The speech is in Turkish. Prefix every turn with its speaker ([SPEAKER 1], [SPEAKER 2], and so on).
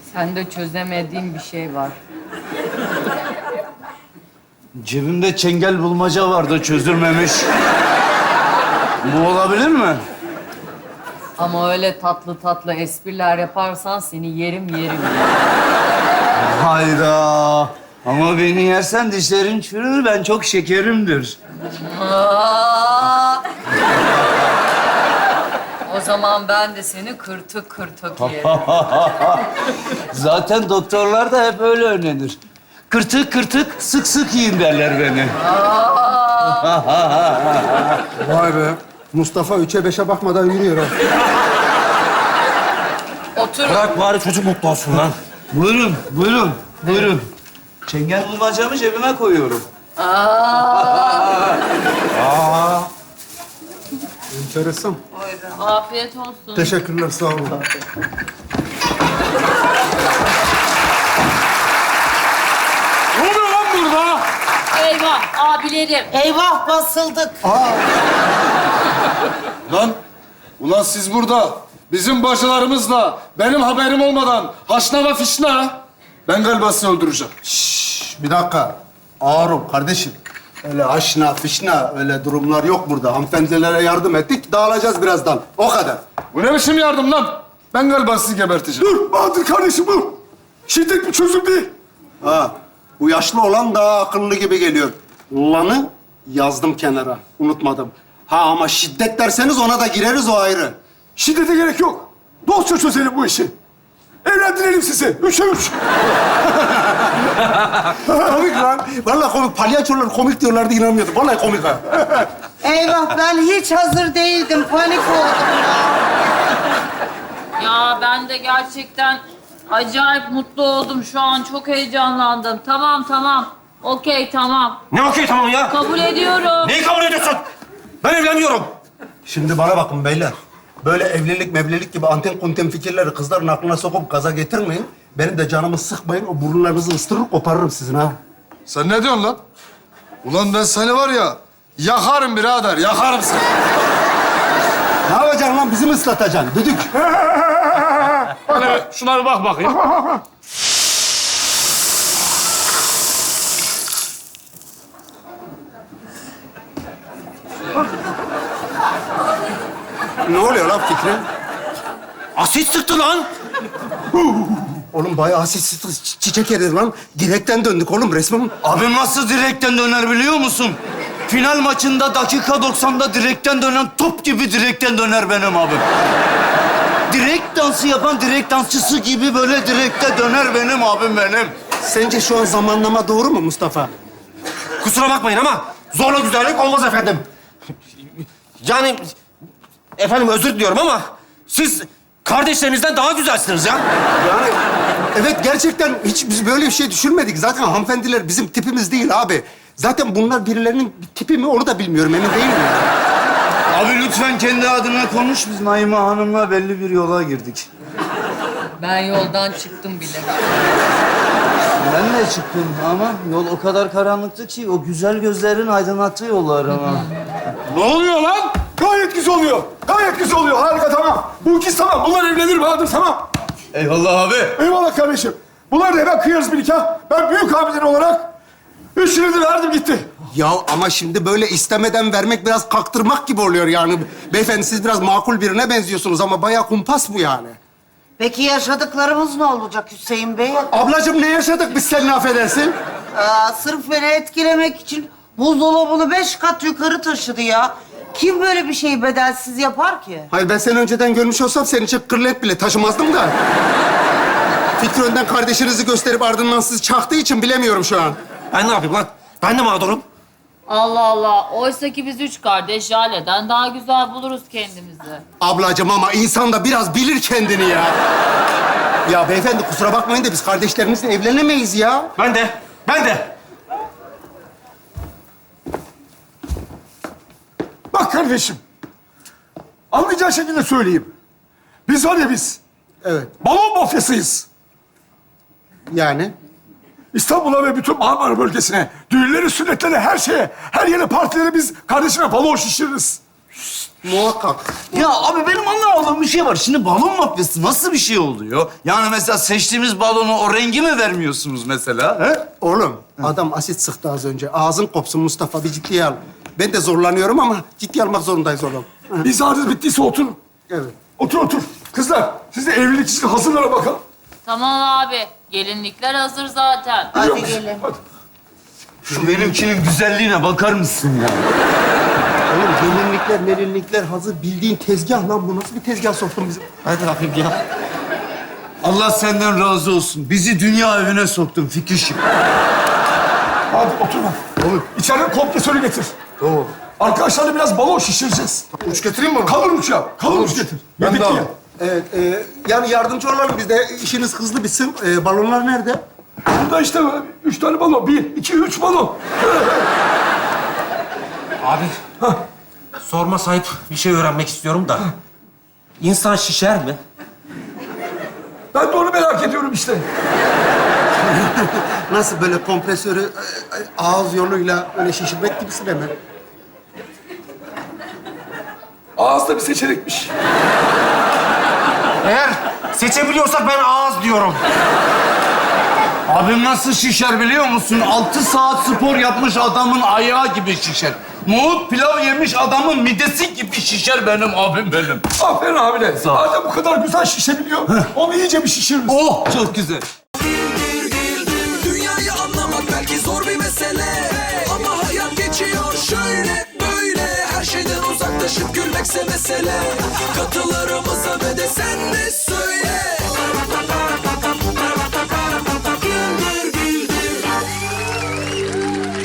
[SPEAKER 1] Sende çözemediğim bir şey var.
[SPEAKER 2] Cebimde çengel bulmaca vardı çözülmemiş. Bu olabilir mi?
[SPEAKER 1] Ama öyle tatlı tatlı espriler yaparsan seni yerim yerim.
[SPEAKER 2] Hayda. Ama beni yersen dişlerin çürür, ben çok şekerimdir.
[SPEAKER 1] Aa! O zaman ben de seni kırtık kırtık yerim.
[SPEAKER 2] Zaten doktorlar da hep öyle önlenir. Kırtık kırtık, sık sık yiyin derler beni.
[SPEAKER 3] Vay be. Mustafa 3'e 5'e bakmadan yürüyor ha.
[SPEAKER 1] Otur.
[SPEAKER 4] Bırak bari çocuk mutlu olsun lan.
[SPEAKER 2] Buyurun, buyurun, buyurun. Çengel bulmacamı cebime koyuyorum.
[SPEAKER 3] Enteresan.
[SPEAKER 1] Afiyet olsun.
[SPEAKER 3] Teşekkürler, sağ olun.
[SPEAKER 4] Ne oluyor lan burada?
[SPEAKER 1] Eyvah abilerim.
[SPEAKER 5] Eyvah basıldık.
[SPEAKER 6] Lan, ulan siz burada bizim bacılarımızla benim haberim olmadan haşnava fişna. Ben galiba sizi öldüreceğim.
[SPEAKER 3] Bir dakika. Ağır ol kardeşim. Öyle aşna fişna öyle durumlar yok burada. Hanımefendilere yardım ettik, dağılacağız birazdan. O kadar.
[SPEAKER 6] Bu ne biçim yardım lan? Ben galiba sizi geberteceğim.
[SPEAKER 3] Dur Bahadır kardeşim dur. Şiddet bir çözüm değil. Ha, bu yaşlı olan daha akıllı gibi geliyor. Lanı yazdım kenara, unutmadım. Ha ama şiddet derseniz ona da gireriz, o ayrı.
[SPEAKER 7] Şiddete gerek yok. Dostça çözelim bu işi. Evlendirelim sizi. 3'e 3.
[SPEAKER 3] Komik lan. Vallahi komik. Palyaçolar komik diyorlardı, inanmıyordum. Vallahi komik ha.
[SPEAKER 5] Eyvah ben hiç hazır değildim. Panik oldum ya.
[SPEAKER 1] Ya ben de gerçekten acayip mutlu oldum şu an. Çok heyecanlandım. Tamam tamam. Okey tamam.
[SPEAKER 4] Ne okey tamam ya?
[SPEAKER 1] Kabul ediyorum.
[SPEAKER 4] Neyi kabul ediyorsun? Ben evlenmiyorum.
[SPEAKER 3] Şimdi bana bakın beyler. Böyle evlilik mevlilik gibi anten kunten fikirleri kızların aklına sokup gaza getirmeyin. Benim de canımı sıkmayın. O burunlarınızı ıstırır koparırım sizin ha.
[SPEAKER 6] Sen ne diyorsun lan? Ulan ben seni var ya, yakarım birader, yakarım seni.
[SPEAKER 3] Ne yapacaksın lan? Bizi mi ıslatacaksın? Düdük.
[SPEAKER 4] Hani şuna bir bak bakayım.
[SPEAKER 3] Ne oluyor lan Fikri?
[SPEAKER 4] Asit sıktı lan.
[SPEAKER 3] Oğlum bayağı asit çiçek yedi lan. Direkten döndük oğlum resmen.
[SPEAKER 2] Abim nasıl direkten döner biliyor musun? Final maçında dakika 90'da direkten dönen top gibi direkten döner benim abim. Direkt dansı yapan direkt dansçısı gibi böyle direkte döner benim abim benim.
[SPEAKER 3] Sence şu an zamanlama doğru mu Mustafa?
[SPEAKER 4] Kusura bakmayın ama zorla güzellik olmaz efendim. Yani efendim özür diliyorum ama siz kardeşlerinizden daha güzelsiniz ya.
[SPEAKER 3] Yani evet gerçekten hiç biz böyle bir şey düşünmedik. Zaten hanımefendiler bizim tipimiz değil abi. Zaten bunlar birilerinin tipi mi onu da bilmiyorum, emin değilim ya.
[SPEAKER 2] Abi lütfen kendi adına konuş. Biz Naime Hanım'la belli bir yola girdik.
[SPEAKER 1] Ben yoldan çıktım bile.
[SPEAKER 2] Ben de çıktım ama yol o kadar karanlıktı ki o güzel gözlerin aydınlattığı yollar ama.
[SPEAKER 7] Ne oluyor lan? Gayet güzel oluyor. Gayet güzel oluyor. Harika, tamam. Bu ikisi tamam. Bunlar evlenir Bahadır, tamam.
[SPEAKER 2] Eyvallah abi.
[SPEAKER 7] Eyvallah kardeşim. Bunlar da hemen kıyarız bir nikah. Ben büyük abiden olarak 3 lira verdim gitti.
[SPEAKER 3] Ya ama şimdi böyle istemeden vermek biraz kaktırmak gibi oluyor yani. Beyefendi siz biraz makul birine benziyorsunuz ama bayağı kumpas bu yani.
[SPEAKER 5] Peki yaşadıklarımız ne olacak Hüseyin Bey?
[SPEAKER 3] Ablacığım ne yaşadık biz seninle affedersin?
[SPEAKER 5] Sırf beni etkilemek için buzdolabını 5 kat yukarı taşıdı ya. Kim böyle bir şeyi bedelsiz yapar ki?
[SPEAKER 3] Hayır ben seni önceden görmüş olsam senin için kırlet bile taşımazdım da. Fikri önden kardeşinizi gösterip ardından sizi çaktığı için bilemiyorum şu an.
[SPEAKER 4] Ben ne yapayım lan? Ben de mağdurum.
[SPEAKER 1] Allah Allah. Oysa ki biz 3 kardeş Jale'den daha güzel buluruz kendimizi.
[SPEAKER 3] Ablacığım ama insan da biraz bilir kendini ya. Ya beyefendi kusura bakmayın da biz kardeşlerimizle evlenemeyiz ya.
[SPEAKER 4] Ben de. Ben de.
[SPEAKER 7] Bak kardeşim. Anlayacağın şekilde söyleyeyim. Biz var ya biz.
[SPEAKER 3] Evet.
[SPEAKER 7] Balon mafyasıyız.
[SPEAKER 3] Yani?
[SPEAKER 7] İstanbul'a ve bütün Marmara bölgesine, düğünleri, sünnetleri, her şeye, her yere, partilere biz kardeşime balon şişiririz.
[SPEAKER 3] Muhakkak.
[SPEAKER 2] Ya abi benim anlamadığım bir şey var. Şimdi balon mafyası nasıl bir şey oluyor? Yani mesela seçtiğimiz balonu o rengi mi vermiyorsunuz mesela? He?
[SPEAKER 3] Oğlum, adam asit sıktı az önce. Ağzın kopsun Mustafa, bir ciddiye al. Ben de zorlanıyorum ama ciddiye almak zorundayız oğlum. Hı.
[SPEAKER 7] İzahınız bittiyse oturun.
[SPEAKER 3] Evet.
[SPEAKER 7] Otur, otur. Kızlar, siz de evlilik için hazırlara bakalım.
[SPEAKER 1] Tamam abi. Gelinlikler hazır zaten.
[SPEAKER 5] Hadi
[SPEAKER 7] Biliyor musun?
[SPEAKER 5] gelin.
[SPEAKER 7] Hadi.
[SPEAKER 2] Şu benimkinin güzelliğine bakar mısın ya?
[SPEAKER 3] Oğlum gelinlikler hazır. Bildiğin tezgah lan bu. Nasıl bir tezgah soktun bizi?
[SPEAKER 4] Hadi bakayım ya.
[SPEAKER 2] Allah senden razı olsun. Bizi dünya evine soktun Fikişim.
[SPEAKER 7] Hadi otur bak. Oğlum, içeriden kompresörü getir.
[SPEAKER 3] Tamam.
[SPEAKER 7] Arkadaşlarla biraz balon şişireceğiz.
[SPEAKER 3] Uç getireyim mi?
[SPEAKER 7] Kalın uç ya. Kalın uç getir.
[SPEAKER 3] Ben
[SPEAKER 7] Yedik
[SPEAKER 3] de
[SPEAKER 7] ya.
[SPEAKER 3] alayım. Evet, yani yardımcı olalım biz de. İşiniz hızlı bitsin. Balonlar nerede?
[SPEAKER 7] Burada işte 3 tane balon. 1, 2, 3 balon.
[SPEAKER 4] Abi, sorma sahip bir şey öğrenmek istiyorum da. İnsan şişer mi?
[SPEAKER 7] Ben de onu merak ediyorum işte.
[SPEAKER 3] Nasıl böyle kompresörü ağız yoluyla öyle şişirmek gibisine mi?
[SPEAKER 7] Ağızda bir seçenekmiş.
[SPEAKER 4] Eğer seçebiliyorsak ben ağız diyorum.
[SPEAKER 2] Abim nasıl şişer biliyor musun? 6 saat spor yapmış adamın ayağı gibi şişer. Nohut pilav yemiş adamın midesi gibi şişer benim abim benim.
[SPEAKER 7] Aferin abine.
[SPEAKER 2] Sağ ol.
[SPEAKER 7] Madem bu kadar güzel şişebiliyor, onu iyice bir şişiririz.
[SPEAKER 2] Oh çok güzel.
[SPEAKER 8] Dünyayı anlamak belki zor bir mesele, ama hayat geçiyor şöyle.